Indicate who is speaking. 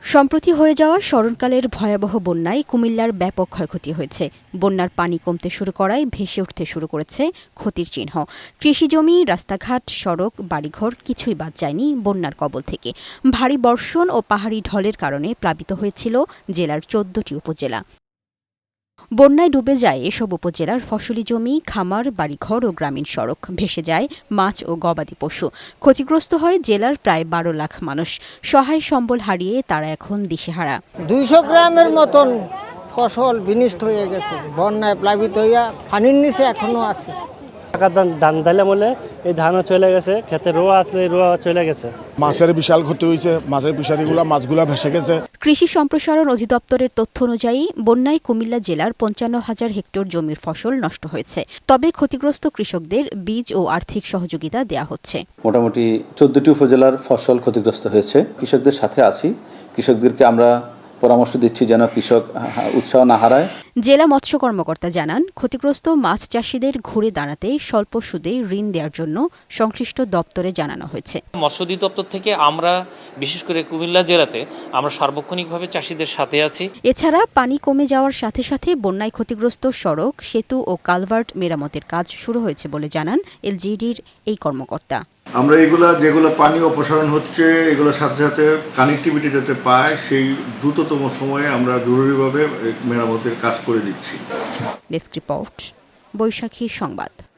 Speaker 1: সম্প্রতি হয়ে যাওয়া স্মরণকালের ভয়াবহ বন্যায় কুমিল্লার ব্যাপক ক্ষয়ক্ষতি হয়েছে। বন্যার পানি কমতে শুরু করায় ভেসে উঠতে শুরু করেছে ক্ষতির চিহ্ন। কৃষিজমি, রাস্তাঘাট, সড়ক, বাড়িঘর কিছুই বাদ যায়নি বন্যার কবল থেকে। ভারী বর্ষণ ও পাহাড়ি ঢলের কারণে প্লাবিত হয়েছিল জেলার ১৪টি উপজেলা। বন্যায় ডুবে যায় এসব উপজেলার ফসলি জমি, খামার, বাড়িঘর ও গ্রামীণ সড়ক। ভেসে যায় মাছ ও গবাদি পশু। ক্ষতিগ্রস্ত হয় জেলার প্রায় ১২ লাখ মানুষ। সহায় সম্বল হারিয়ে তারা এখন দিশেহারা।
Speaker 2: ২০০ গ্রামের মতন ফসল বিনষ্ট হয়ে গেছে, বন্যায় প্লাবিত হইয়া পানির নিচে এখনো আছে।
Speaker 3: ধান দিলাম বলে এই ধানও চলে গেছে, খেতে রোয়া আসলে রোয়া চলে গেছে।
Speaker 4: মাছের বিশাল ক্ষতি হয়েছে, মাছের ফিশারিগুলা মাছগুলা ভেসে গেছে।
Speaker 1: কৃষি সম্প্রসারণ অধিদপ্তরের তথ্য অনুযায়ী বন্যায় কুমিল্লা জেলার ৫৫,০০০ হেক্টর জমির ফসল নষ্ট হয়েছে। তবে ক্ষতিগ্রস্ত কৃষকদের বীজ ও আর্থিক সহযোগিতা দেয়া হচ্ছে।
Speaker 5: মোটামুটি ১৪টি উপজেলার ফসল ক্ষতিগ্রস্ত হয়েছে। কৃষকদের সাথে আছি, কৃষকদেরকে আমরা পরামর্শ দিচ্ছি যেন কৃষক উৎসাহ না হারায়।
Speaker 1: জেলা মৎস্য কর্মকর্তা জানান, ক্ষতিগ্রস্ত মাছ চাষিদের ঘুরে দাঁড়াতে স্বল্প সুদে ঋণ দেওয়ার জন্য সংশ্লিষ্ট দপ্তরে জানানো হয়েছে।
Speaker 6: মৎস্য অধিদপ্তর থেকে আমরা বিশেষ করে কুমিল্লা জেলাতে আমরা সার্বক্ষণিকভাবে চাষিদের সাথে আছি।
Speaker 1: এছাড়া পানি কমে যাওয়ার সাথে সাথে বন্যায় ক্ষতিগ্রস্ত সড়ক, সেতু ও কালভার্ট মেরামতের কাজ শুরু হয়েছে বলে জানান এলজিইডির এই কর্মকর্তা।
Speaker 7: আমরা যেগুলো পানি অপসারণ হচ্ছে এগুলোর সাথে সাথে কানেক্টিভিটি যাতে পায় সেই দ্রুততম সময়ে আমরা জরুরিভাবে মেরামতের কাজ করে দিচ্ছি।
Speaker 1: ডেস্ক রিপোর্ট, বৈশাখী সংবাদ।